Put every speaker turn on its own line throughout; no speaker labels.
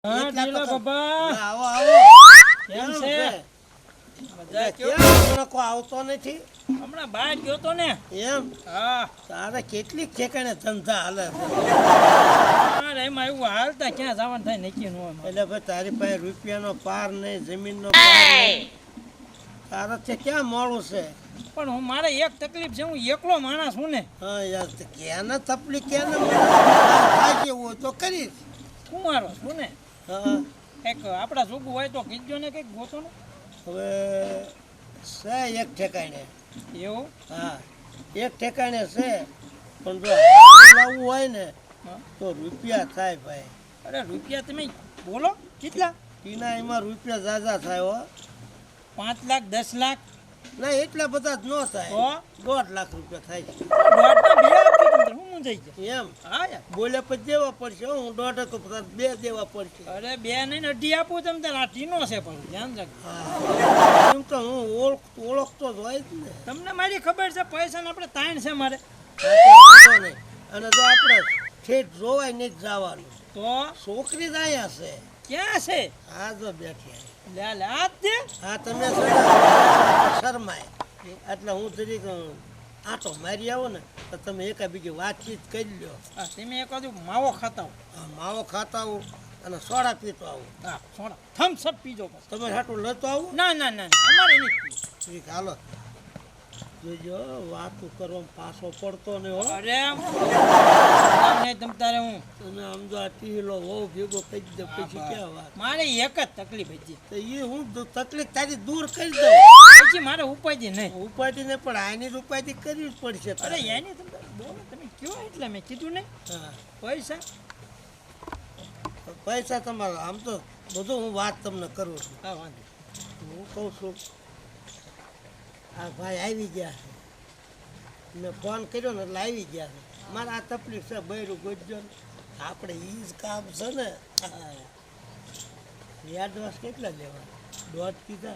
હા ઢીલા બાબા
આવો આવો
કેમ છે મજા
કેમ
કેવો
હમણાં કોઈ આવતો નથી
હમણાં બહાર ગયો તો ને
એમ
હા
તારે કેટલીક ઠેકાણે ધંધા હાલે છે
અરે એમાં એવું હાલતા ક્યાં જવાનું થાય નક્કી ન હોય મારે.
એટલે ભાઈ તારી પાસે રૂપિયાનો પાર નહીં જમીનનો પાર નહીં તારે છે ક્યાં મોડું છે
પણ હું મારે એક તકલીફ છે હું એકલો માણસ હું ને
હા યાર તો ક્યાંને તપલી ક્યાંને મને થાય જેવું હોય તો કરીશ
કુંવારો છું ને
હા
કંઈક આપણા જોગું હોય તો કીધો ને કંઈક ગોતો ને
હવે છે એક ઠેકાણે
એવું
હા એક ઠેકાણે છે પણ જો હારું લાવવું હોય ને
હા.
તો રૂપિયા થાય ભાઈ
અરે રૂપિયા તમે બોલો કેટલા
ટીના એમાં રૂપિયા ઝાઝા થાય હો
5 લાખ 10 લાખ
ના એટલા બધા જ ન થાય
તો
1.5 લાખ રૂપિયા થાય છે
દોઢના બે આપજો તમને હું મૂંઝાઈ ગયો
એમ
હા યાર
બોલે પછી દેવા પડશે હો, હું 1.5 તો પછી 2 દેવા પડશે
અરે બે નહીં અઢી આપું તમે તાર આ ટીનો છે પણ ધ્યાન રાખજો
હા એમ તો હું ઓળખતો જ હોય જ ને
તમને મારી ખબર છે પૈસા ને આપણે તાણ છે મારે
હા તો વાંધો નહીં. અને જો આપણે ઠેઠ જોવાય નહીં જ જવાનું
તો
છોકરી જ અહીંયા છે
ક્યાં છે
હા જો બેઠી
લે લે આ જ દે
હા તમે શરમાય એટલે હું જરીક આટો મારી આવો ને તો તમે એકાબીજી વાતચીત કરી લ્યો
હા, તમે એક બાજુ માવો ખાતા હો
હા, માવો ખાતા આવું અને સોડા પીતો આવું
હા સોડા થમ્સ અપ પીજો બસ
તમે હાટું લેતો આવું
ના ના ના ના, અમારે નહીં પીવું.
ઠીક હાલો જોજો વાતું કરવામાં પાછો પડતો ને હો
અરે નહીં તમ તારે હું
તમે આમ જો આ ટીલો બહુ ભેગો કરી દે પછી ક્યાં વાત
મારે એક જ તકલીફ હતી
તો એ હું તકલીફ તારી દૂર કરી દઉં
પછી મારે ઉપાય નહીં
ઉપાધિ ને પણ આની ઉપાધિ કરવી જ પડશે
અરે
તારે.
એની તમે બોલો તમે કયો એટલે મેં કીધું નહીં
હા
પૈસા
પૈસા તમારા આમ તો બધું હું વાત તમને કરું છું
હા વાંધો
હું કહું છું આ ભાઈ આવી ગયા છે મેં ફોન કર્યો ને એટલે આવી ગયા છે મારે આ તકલીફ છે બૈરું ગોજજો ને આપણે એ જ કામ છે ને એડવાન્સ કેટલા લેવા 1.5 કીધા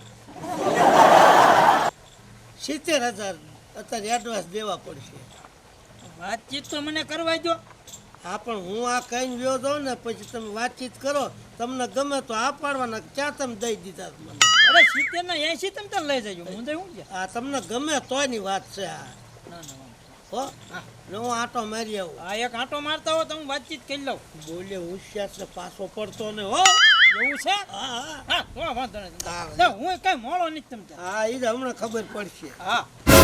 70,000 અત્યારે એડવાન્સ દેવા પડશે
વાતચીત તો મને કરવા દો
હા પણ હું આ કહીને વ્યો જાઉં ને પછી તમે વાતચીત કરો તમને ગમે તો આ પાડવાના ક્યાં તમે દઈ દીધા મને
અરે 70 ના 80 તમે તાર લઈ જજો હું તો હું ગયા
આ તમને ગમે તોયની વાત છે આ
ના ના વાંધો.
હો ને હું આટો મારી આવું
આ એક આંટો મારતા હો તો હું વાતચીત કરી લઉં
બોલે હોશિયાર છે પાછો પડતો ને હો
એવું છે
હા હા
હા તો વાંધો નહીં
હા.
તો હું કઈ મોડો નથી તમ તાર.
હા એ જ હમણાં ખબર પડશે
હા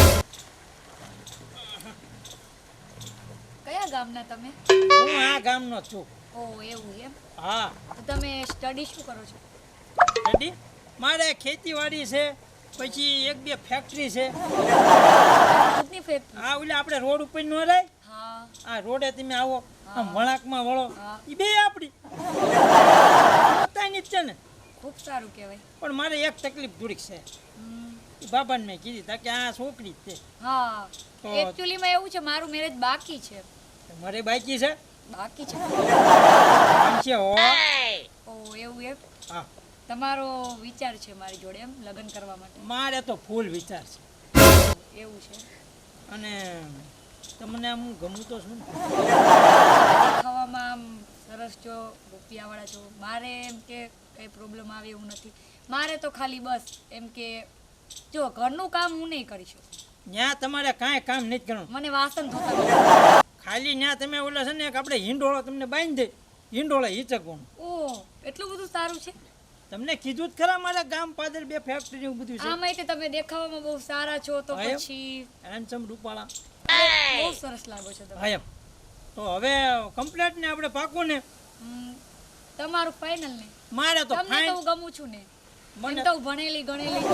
કયા ગામના તમે?
હું આ ગામનો જ છું
ઓ એવું એમ.
હા
તો તમે સ્ટડી શું કરો છો?
રેડી મારે ખેતીવાડી છે પછી 1-2 ફેક્ટરી છે
ખુદની ફેક્ટરી?
આ ઓલા આપણે રોડ ઉપર નો રહે
હા.
આ રોડે તમે આવો આમ વળાંકમાં વળો
હા.
એ બે આપણી પોતાની જ છે ને
ખૂબ સારું કહેવાય.
પણ મારે એક તકલીફ થોડીક છે
હમ.
ઈ બાબાને મેં કીધી તા કે આ છોકરી જ છે
હા
તો-
એકચ્યુઅલીમાં એવું છે, મારું મેરેજ બાકી છે.
મારે બાકી છે
બાકી છે.
આમ છે હો
ઓ એવું એમ.
હા
તમારો વિચાર છે મારી જોડે એમ લગ્ન કરવા માટે?
મારે તો ફૂલ વિચાર છે
એવું છે.
અને તમને આમ હું ગમું તો છું ને
દેખાવામાં આમ સરસ છો, રૂપિયાવાળા છો. મારે એમ કે કંઈ પ્રોબ્લેમ આવે એવું નથી. મારે તો ખાલી બસ એમ કે જો ઘરનું કામ હું નહીં કરી શકું.
ત્યાં તમારે કાંઈ કામ નથી કરવાનું
મને વાસણ ધોતા નથી.
ખાલી ત્યાં તમે ઓલા છે ને એક આપણે હિંડોળો તમને બાંધી દે હિંડોળે હિચકવાનું
ઓહ એટલું બધું સારું છે.
તમને કીધું જ ખરા મારા ગામ પાદર 2 ફેક્ટરી એવું બધું છે
આ માહિતી તમે દેખાવામાં બહુ સારા છો તો
હા એમ.
પછી
હેન્ડસમ રૂપાળા
બહુ સરસ લાગો છો તમે.
હા એમ તો હવે કમ્પ્લેટ ને આપણે પાકું ને
હમ, તમારું ફાઇનલ ને
મારે તો
તમને તો
ફાઇન
હું ગમું છું ને.
મને-
એમ તો હું ભણેલી ગણેલી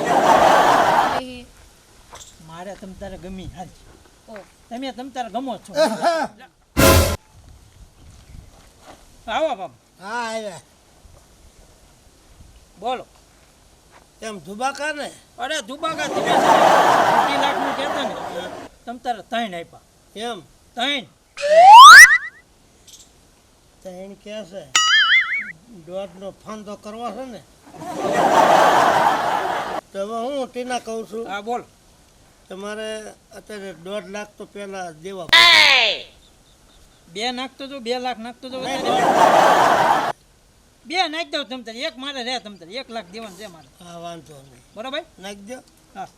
મારે તમ તારે ગમી હાલ
ઓ
તમે તમ તારે ગમો જ છો આવો બાપ
હા આવ્યા
બોલો
એમ ધુબાકા ને
અરે દુબાગા તમે છે ને 2 લાખનું કહેતા ને તમ તારે 3 આપ્યા
એમ
3
તૈણ કે છે 1.5 નો ફાંદો કરવો છે ને તો હવે હું ટીના કહું છું
હા બોલ
તમારે અત્યારે 1.5 લાખ તો પેલા દેવા
2 નાખતો જો 2 લાખ નાખતો જો
નહીં,
નાખી દઉં તમ તારે એક મારે રહે તમ તારે 1 લાખ દેવાનું છે મારે
હા વાંધો નહીં
બરોબર
નાખી દો
હા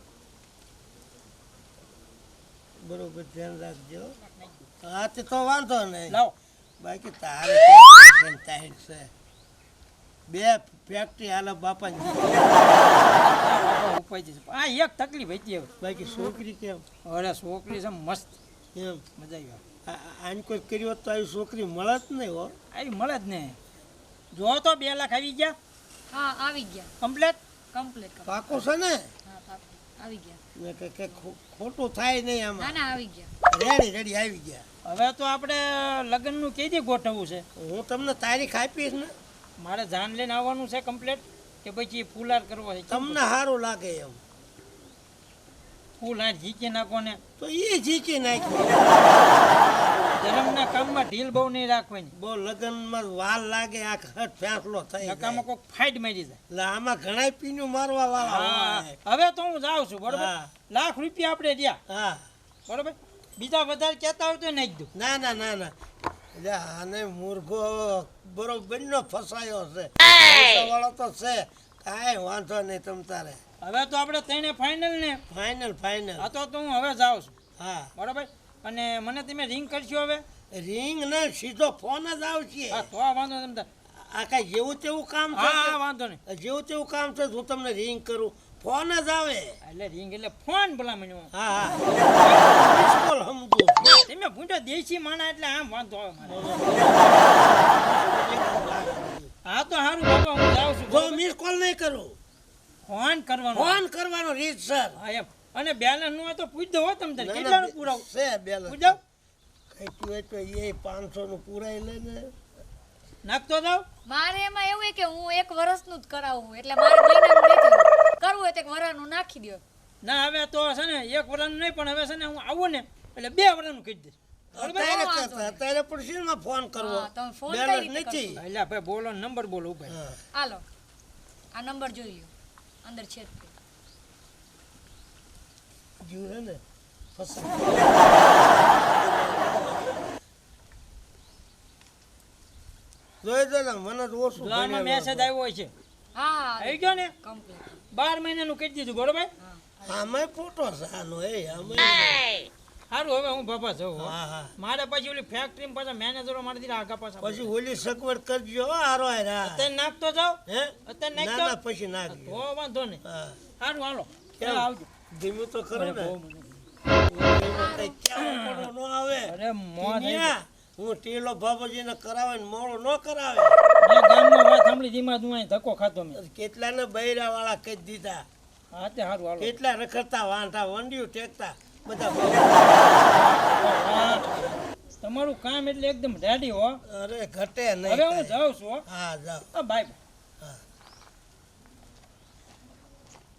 બરોબર ધ્યાન રાખજો હા તે તો વાંધો નહીં
લાવો
બાકી તારે ટેન્શન ટાઈટ છે બે ફેક્ટરી હાલે બાપાની
બાપા ઉપાય છે આ એક તકલીફ હતી હવે
બાકી છોકરી કેમ
અરે છોકરી છે મસ્ત
એમ
મજા આવી
આને કોઈ કર્યો હોત તો આવી છોકરી મળે જ નહીં હો
આવી મળે જ ને જો તો 2 લાખ આવી ગયા
હા આવી ગયા
કમ્પ્લેટ
કમ્પ્લીટ
પાકો છે ને
હા પાકું. આવી ગયા
ને કે ખોટું થાય નહીં
ના
આમાં
ના આવી ગયા
રેડી રેડી આવી ગયા
હવે તો આપણે લગ્નનું કઈ દી ગોઠવવું છે
હું તમને તારીખ આપીશ ને
મારે જાન લઈને આવવાનું છે કમ્પ્લેટ કે પછી ફૂલાર કરવો છે
તમને સારું લાગે એમ
ફૂલ આ જીકી નાખો ને
તો એ જીકી નાખ્યું
જન્મના કામમાં ઢીલ બહુ નહીં રાખવાની
બહુ લગ્નમાં વાર લાગે આ ખટ ફેંસલો થઈ જાય
નકામાં કોઈક ફાઇટ મારી જાય
એટલે આમાં ઘણા પીનું મારવા વાળા
હા,
હોય
હવે તો હું જાઉં છું બરોબર
હા.
લાખ રૂપિયા આપણે રહ્યા
હા
બરોબર બીજા વધારે કહેતા હોય તો નાખી દઉં
ના ના ના ના એટલે આને મૂર્ખો બરોબર નો ફસાયો છે વાળો તો છે કાંઈ વાંધો નહીં તમ તારે
હવે તો આપણે તેને ફાઇનલ ને
ફાઇનલ ફાઇનલ
આ તો હું હવે જાઉં છું
હા
બરોબર અને મને તમે રિંગ કરશો હવે
રિંગ ને સીધો ફોન જ આવશે
હા તો આ વાંધો નહીં તમ તાર.
આ કાંઈ જેવું તેવું કામ છે
હા
કે?
હા વાંધો નહીં
જેવું તેવું કામ છે હું તમને રિંગ કરું ફોન જ આવે
એટલે રિંગ એટલે ફોન ભલામણ
હા હા મિસ કોલ સમજુ છું.
તમે ભૂંડો દેશી માણા એટલે આમ વાંધો આવે મારે હા તો સારું બાબા હું જાઉં છું
જો
બરોબર?
મિસ કોલ નહીં કરું
ફોન કરવાનો
ફોન કરવાનો રીત સર
હા એમ અને બેલેન્સ નું હોય તો પૂછ દો હો તમ તારે કેટલાનું પુરાવું
છે બેલેન્સ
પૂછ દો
કઈતું હોય તો એ 500 નું પુરાઈ લે ને
નાખતો જાવ
મારે એમાં એવું છે કે હું 1 વર્ષનું જ કરાવું એટલે મારે મહિનાનું નથી કરવું હોય તો 1 વર્ષનું નાખી દો
ના હવે તો છે ને 1 વર્ષનું નહીં પણ હવે છે ને હું આવું ને એટલે 2 વર્ષનું કહી દઈશ
અત્યારે કરતા અત્યારે પણ શેમાં ફોન કરવો
હા, તમે ફોન કઈ
બેલેન્સ
રીતે
નથી
એટલે ભાઈ બોલો નંબર બોલો ભાઈ
હા
હાલો આ નંબર જોઈ લ્યો અંદર છે જ તે.
જીવ હે ને ફસા જોઈ દે ને મને તો ઓછું
જો આમાં
ભણેલો
મેસેજ
હતો.
આવ્યો હોય છે
હા
આવી ગયો ને
કમ્પ્લીટ
12 મહિનાનું કહી દીધું બરોબર
હા
આમાંય ફોટો છે આનો એ આમાંય
સારું હવે હું બાપા જાઉં હો.
હા હા
મારે પછી ઓલી ફેક્ટરી પાછા મેનેજરો મારી દીધા આગા પાછા
પછી ઓલી સગવડ કરજો હો, હારો હારા.
અત્યારે નાખતો જાવ
હે
અત્યારે
ના
નાખતો
ના પછી નાખજો
તો વાંધો નહીં
હા
સારું હાલો
કેમ?
ચાલો આવજો
ધીમું તો ખરું
અરે
ને
બહુ મજા
એમાં કઈ ક્યાં મોડો ન આવે
અરે મોં થઈ
ટીનિયા, હું ટીલો બાબાજીને કરાવે ને મોડો ન કરાવે
મેં ગામમાં વાત સાંભળી ધીમા તું અહીં ધક્કો ખાતો મેં
કેટલાને બૈરા વાળા કહી દીધા
હા તે સારું હાલો
કેટલા રખડતા વાંઢા વંડિયું ટેકતા બધા
વાહ. તમારું કામ એટલે એકદમ રેડી હો
અરે ઘટે
હવે હું
નહીં
જાઉં છું હો.
હા જાઓ
હા બાય
હા